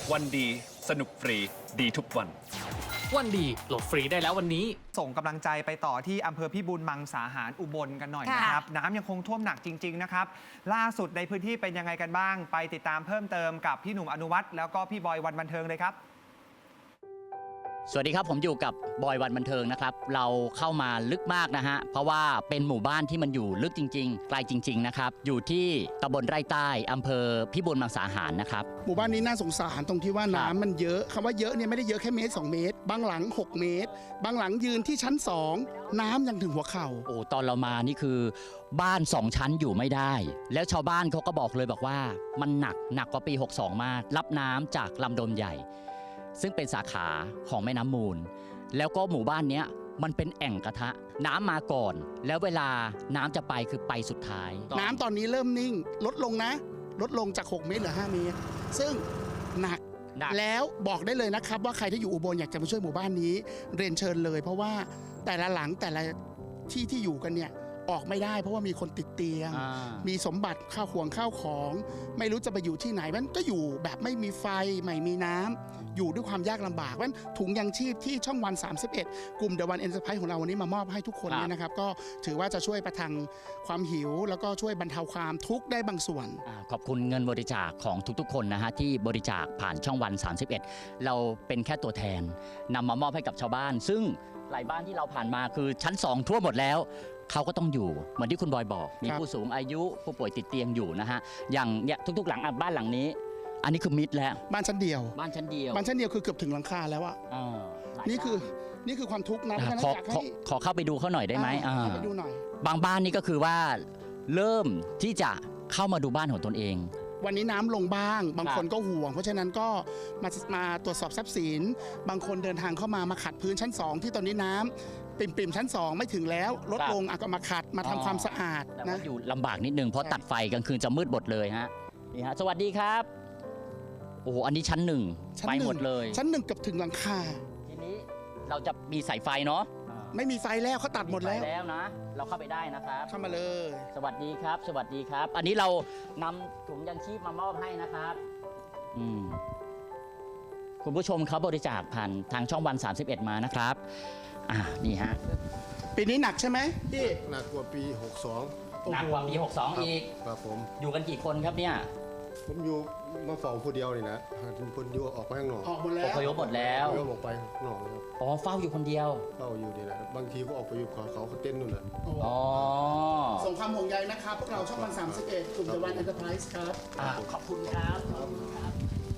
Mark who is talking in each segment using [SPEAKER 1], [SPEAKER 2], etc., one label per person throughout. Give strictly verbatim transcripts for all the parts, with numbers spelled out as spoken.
[SPEAKER 1] วันดีสนุกฟรีดีทุกวัน
[SPEAKER 2] วันดีโหลดฟรีได้แล้ววันนี้
[SPEAKER 3] ส่งกำลังใจไปต่อที่อำเภอพิบูลมังสาหารอุบลกันหน่อยนะครับ น้ำยังคงท่วมหนักจริง ๆ นะครับ ล่าสุดในพื้นที่เป็นยังไงกันบ้าง ไปติดตามเพิ่มเติมกับพี่หนุ่มอนุวัฒน์แล้วก็พี่บอยวันบันเทิงเลยครับ
[SPEAKER 4] สวัสดีครับผมอยู่กับบอยวันบันเทิงนะครับเราเข้ามาลึกมากนะฮะเพราะว่าเป็นหมู่บ้านที่มันอยู่ลึกจริงๆไกลจริงๆนะครับอยู่ที่ตำบลไร่ใต้อำเภอพิบูลมังสาหารนะครับ
[SPEAKER 5] หมู่บ้านนี้น่าสงสารตรงที่ว่าน้ำมันเยอะคำว่าเยอะเนี่ยไม่ได้เยอะแค่เมตรสองเมตรบางหลังหกเมตรบางหลังยืนที่ชั้นสองน้ำยังถึงหัวเข่า
[SPEAKER 4] โอ้ตอนเรามานี่คือบ้านสองชั้นอยู่ไม่ได้แล้วชาวบ้านเขาก็บอกเลยบอกว่ามันหนักหนักกว่าปีหกสองมากรับน้ำจากลำดมใหญ่ซึ่งเป็นสาขาของแม่น้ำมูลแล้วก็หมู่บ้านนี้มันเป็นแอ่งกระทะน้ำมาก่อนแล้วเวลาน้ำจะไปคือไปสุดท้าย
[SPEAKER 5] น้ำตอนนี้เริ่มนิ่งลดลงนะลดลงจากหกเมตรเหลือห้าเมตรซึ่งหนักแล้วบอกได้เลยนะครับว่าใครที่อยู่อุบลอยากจะมาช่วยหมู่บ้านนี้เรียนเชิญเลยเพราะว่าแต่ละหลังแต่ละที่ที่อยู่กันเนี่ยออกไม่ได้เพราะว่ามีคนติดเตียงมีสมบัติข้าวห่วงข้าวของไม่รู้จะไปอยู่ที่ไหนมันก็อยู่แบบไม่มีไฟไม่มีน้ำอยู่ด้วยความยากลำบากว่าถุงยังชีพที่ช่องวันสามสิบเอ็ดกลุ่มเดอะวันเอ็นเตอร์ไพรส์ของเราวันนี้มามอบให้ทุกคนเนี่ยนะครับก็ถือว่าจะช่วยประทังความหิวแล้วก็ช่วยบรรเทาความทุกข์ได้บางส่วน
[SPEAKER 4] ขอบคุณเงินบริจาคของทุกๆคนนะฮะที่บริจาคผ่านช่องวันสามสิบเอ็ดเราเป็นแค่ตัวแทนนำมามอบให้กับชาวบ้านซึ่งหลายบ้านที่เราผ่านมาคือชั้นสองทั่วหมดแล้วเขาก็ต้องอยู่เหมือนที่คุณบอยบอกมีผู้สูงอายุผู้ป่วยติดเตียงอยู่นะฮะอย่างเนี่ยทุกๆหลังบ้านหลังนี้อันนี้คือมิดแล้ว
[SPEAKER 5] บ้านชั้นเดียว
[SPEAKER 4] บ้านชั้นเดียว
[SPEAKER 5] บ้านชั้นเดียวคือเกือบถึงหลังคาแล้วอะนี่คือนี่คือความทุกข์นะ
[SPEAKER 4] ขอขอขอเข้าไปดูเขาหน่อยได้ไหม
[SPEAKER 5] เข้าไปดูหน่อย
[SPEAKER 4] บางบ้านนี่ก็คือว่าเริ่มที่จะเข้ามาดูบ้านของตนเอง
[SPEAKER 5] วันนี้น้ำลงบ้างบางคนก็ห่วงเพราะฉะนั้นก็มามาตรวจสอบทรัพย์สินบางคนเดินทางเข้ามามาขัดพื้นชั้นสองที่ตอนนี้น้ำปิ่มๆชั้นสองไม่ถึงแล้วลดลงก็มาขัดมาทำความสะอาด
[SPEAKER 4] นะอยู่ลำบากนิดนึงเพราะตัดไฟกลางคืนจะมืดหมดเลยฮะนี่ฮะสวัสดีครับโอ้โหอันนี้ชั้นหนึ่งไฟหมดเลย
[SPEAKER 5] ชั้นหนึ่งเกือบถึงหลังคา
[SPEAKER 4] ทีนี้เราจะมีสายไฟเนาะ
[SPEAKER 5] ไม่มีไฟแล้วเขาตัดหมดแล้ว
[SPEAKER 4] แล้วนะเราเข้าไปได้นะครับ
[SPEAKER 5] เข้ามาเลย
[SPEAKER 4] สวัสดีครับสวัสดีครับอันนี้เรานำถุงยังชีพมามอบให้นะครับอืมคุณผู้ชมเขาบริจาคผ่านทางช่องวันสามสิบเอ็ดมานะครับอ่านี่ฮะ
[SPEAKER 5] ปีนี้หนักใช่ไหมพี่
[SPEAKER 6] หนักกว่าปีหกสอง
[SPEAKER 4] หนักกว่าปีหกสองอีก
[SPEAKER 6] ครับผม
[SPEAKER 4] อยู่กันกี่คนครับเนี่ย
[SPEAKER 6] ผมอยู่มาเฝ้าผู้เดียวนี่นะคนอยู่ออกไปข้างนอก
[SPEAKER 5] ออกหมดแล้ว
[SPEAKER 4] อพยพหมดแล้ว
[SPEAKER 6] ออกไปข้างนอกแล้ว
[SPEAKER 4] อ๋อเฝ้าอยู่คนเดียว
[SPEAKER 6] เฝ้าอยู่นี่แหละบางทีก็ออกไปอยู่เขาเขาเต้นนู่นน่ะ
[SPEAKER 4] อ๋อ
[SPEAKER 5] ส่งความห่วงใยนะครับพวกเราช่องวันสามสิบเอ็ดกลุ่มเดอะวันเอ็นเตอร์ไพรส์ครับ
[SPEAKER 4] ขอบคุณครับขอบคุณครับ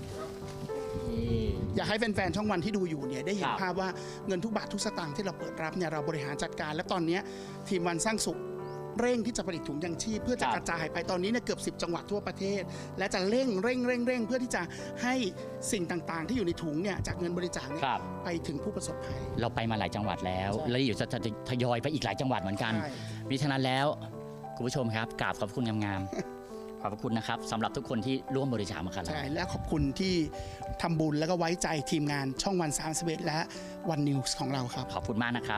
[SPEAKER 5] อยากให้แฟนๆช่องวันที่ดูอยู่เนี่ยได้เห็นภาพว่าเงินทุกบาททุกสตางค์ที่เราเปิดรับเนี่ยเราบริหารจัดการและตอนนี้ทีมวันสร้างสุขเร่งที่จะผลิตถุงยังชีพเพื่อจะกระจายไปตอนนี้เนี่ยเกือบสิบจังหวัดทั่วประเทศและจะเร่งเร่งเร่งเร่งเพื่อที่จะให้สิ่งต่างๆที่อยู่ในถุงเนี่ยจากเงินบริจาคเนี่ยไปถึงผู้ประสบภัย
[SPEAKER 4] เราไปมาหลายจังหวัดแล้วแล้วอยู่จะทยอยไปอีกหลายจังหวัดเหมือนกันมิฉะนั้นแล้วคุณผู้ชมครับกราบขอบคุณงามๆขอบคุณนะครับสำหรับทุกคนที่ร่วมบริจาคมาครับ
[SPEAKER 5] ใช่และขอบคุณที่ทำบุญแล้วก็ไว้ใจทีมงานช่องวันสามสิบเอ็ดและวันนิวส์ของเราครับ
[SPEAKER 4] ขอบคุณมากนะครับ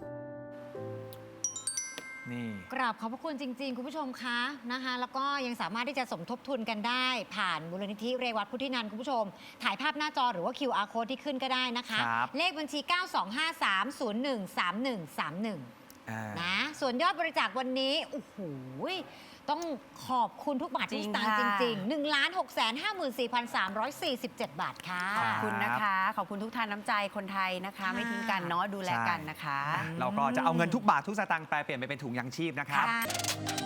[SPEAKER 7] กราบขอบพระคุณจริงๆคุณผู้ชมคะนะคะแล้วก็ยังสามารถที่จะสมทบทุนกันได้ผ่านมูลนิธิเรวัตพุทธินันท์คุณผู้ชมถ่ายภาพหน้าจอหรือว่า คิว อาร์ Code ที่ขึ้นก็ได้นะคะเลขบัญชี เก้า สอง ห้า สาม ศูนย์ หนึ่ง สาม หนึ่ง สาม หนึ่ง นะส่วนยอดบริจาควันนี้โอ้โหต้องขอบคุณทุกบาททุกสตางค์จริงๆ หนึ่งล้านหกแสนห้าหมื่นสี่พันสามร้อยสี่สิบเจ็ด บาทค่ะ
[SPEAKER 8] ขอบคุณนะคะขอบคุณทุกท่านน้ำใจคนไทยนะคะไม่ทิ้งกันเนาะดูแลกันนะคะ
[SPEAKER 3] เราก็จะเอาเงินทุกบาททุกสตางค์แปลเปลี่ยนไปเป็นถุงยังชีพนะครับ